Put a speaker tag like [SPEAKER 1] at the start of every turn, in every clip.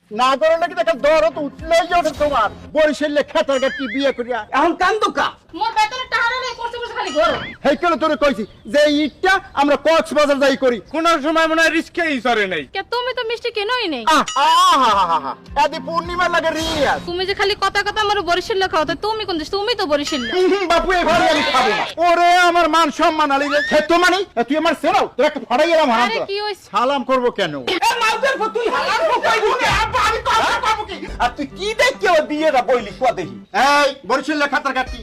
[SPEAKER 1] না করে নাকি দেখা দরদ উঠলেই ওঠে তোমার বরিশালে খেতার গাটি বিয়ে করিয়া এখন কান্দুকা
[SPEAKER 2] মোর বেতনের টাকা নেই করতে করতে খালি ঘর
[SPEAKER 1] হেই কেন তোরে কইছি যে ইটটা আমরা কক্সবাজার যাই করি
[SPEAKER 3] কোন সময় মনে হয় রিস্কেই সরে নাই।
[SPEAKER 2] কে তুমি তো মিষ্টি কেনই নেই
[SPEAKER 1] আহা আদি পূর্ণিমা লাগে রিয়াজ
[SPEAKER 2] তুমি যে খালি কথা কথা আমার বরিশাল খাও তো তুমি কোন দেশ তুমি তো বরিশাল
[SPEAKER 1] বাপু এই ঘরে আমি খাবো না ওরে আমার মান সম্মান আলি রে হে তো মানি তুই আমার সেরাও তোর একটা ফাড়াই এলাম হারাম
[SPEAKER 2] আরে কি হইছে
[SPEAKER 1] সালাম করব কেন এ মাউদের তুই হালাল কইবি না আব্বা আমি কথা কব কি আর তুই কি দেখে ও বিয়েটা বইলি কো দেখি এই বরিশাল খাতার কাটি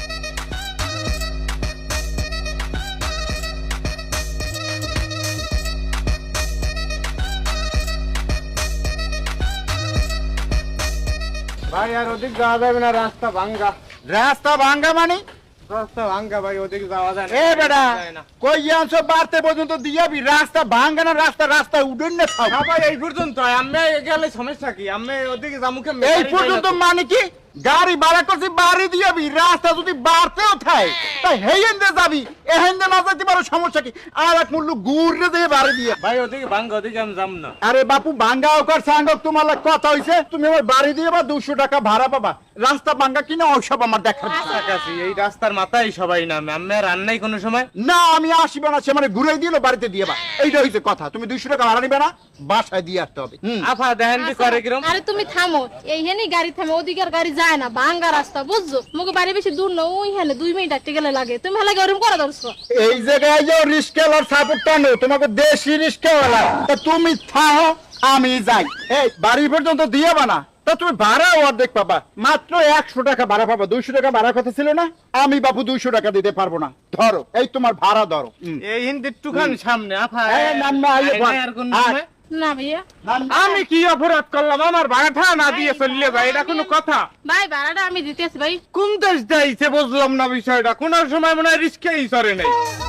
[SPEAKER 3] ভাই আর ওদিক যাওয়া যাবে না, রাস্তা
[SPEAKER 1] ভাঙ্গা মানে
[SPEAKER 3] রাস্তা ভাঙ্গা ভাই, ওদিক যাওয়া যায় না।
[SPEAKER 1] এ বেটা
[SPEAKER 3] যায় না।
[SPEAKER 1] কই আনছো বাড়তে পর্যন্ত দিয়াবি রাস্তা ভাঙ্গা না রাস্তা উডুন না খাও
[SPEAKER 3] না ভাই এই পর্যন্ত আমি গেলে সমস্যা কি? আমি ওদিকে জামুকে
[SPEAKER 1] এই পর্যন্ত মানে কি গাড়ি ভাড়া করছি বাড়ি দিয়াবি রাস্তা যদি বাড়তেও থাকে তাই হেইন্দে যাবি এহেন্দে না যাইতে পারো সমস্যা কি আর এক মূল্য গুড়রে দিয়ে বাড়ি দিয়ে
[SPEAKER 3] ভাই ওদিকে ভাঙ্গা, ওদিকে আমি যাম না।
[SPEAKER 1] আরে বাপু ভাঙ্গা ওকার সাঙ্গক তোমার লাগে কথা হইছে তুমি আমার বাড়ি দিয়ে বা 200 টাকা ভাড়া পাবা রাস্তা ভাঙ্গা কিনা ওইসব আমার দেখার বিষয়।
[SPEAKER 3] কাছাকাছি এই রাস্তার মাথায় সবাই নামে, আমি আর রান্নাই কোনো সময়।
[SPEAKER 1] না আমি আসিব না সে মানে ঘুরাই দিল বাড়িতে দিয়ে বা এইটা হইছে কথা তুমি 200 টাকা ভাড়া নিবে না বাসায় দিয়ে আসতে হবে
[SPEAKER 3] আফা দেখেন কি করে কিরম।
[SPEAKER 2] আরে তুমি থামো এইখানেই গাড়ি থামে ওদিকের গাড়ি যায় না ভাঙ্গা রাস্তা বুঝছো মুকে বাড়ি বেশি দূর না ওইখানে 2 মিনিট আটকে গেলে লাগে তুমি ভালো গরম করে ধরছো
[SPEAKER 1] এই জায়গায় যে রিস্কেলার সাপোর্টটা নেই তোমাকে দেশি রিস্কেওয়ালা তা তুমি থাও আমি যাই এই বাড়ি পর্যন্ত দিয়ে বানা তা তুমি ভাড়া অর্ধেক পাবা মাত্র 100 টাকা ভাড়া পাবা 200 টাকা ভাড়া কথা ছিল না আমি বাপু 200 টাকা দিতে পারবো না ধরো এই তোমার ভাড়া ধরো
[SPEAKER 3] এই হিন্দি টুকান সামনে আফা
[SPEAKER 1] নাম না আইলে বল।
[SPEAKER 3] আর কোন
[SPEAKER 1] আর-
[SPEAKER 3] সময়?
[SPEAKER 2] না ভাইয়া
[SPEAKER 3] আমি কি অপরাধ করলাম? আমার ভাড়াটা না দিয়ে চললে ভাই, এটা কোনো কথা?
[SPEAKER 2] ভাই ভাড়াটা আমি দিতেছি ভাই
[SPEAKER 3] কোন দেশ যাইছে বুঝলাম না বিষয়টা, কোন সময় মনে হয় রিস্কেই সরে নাই।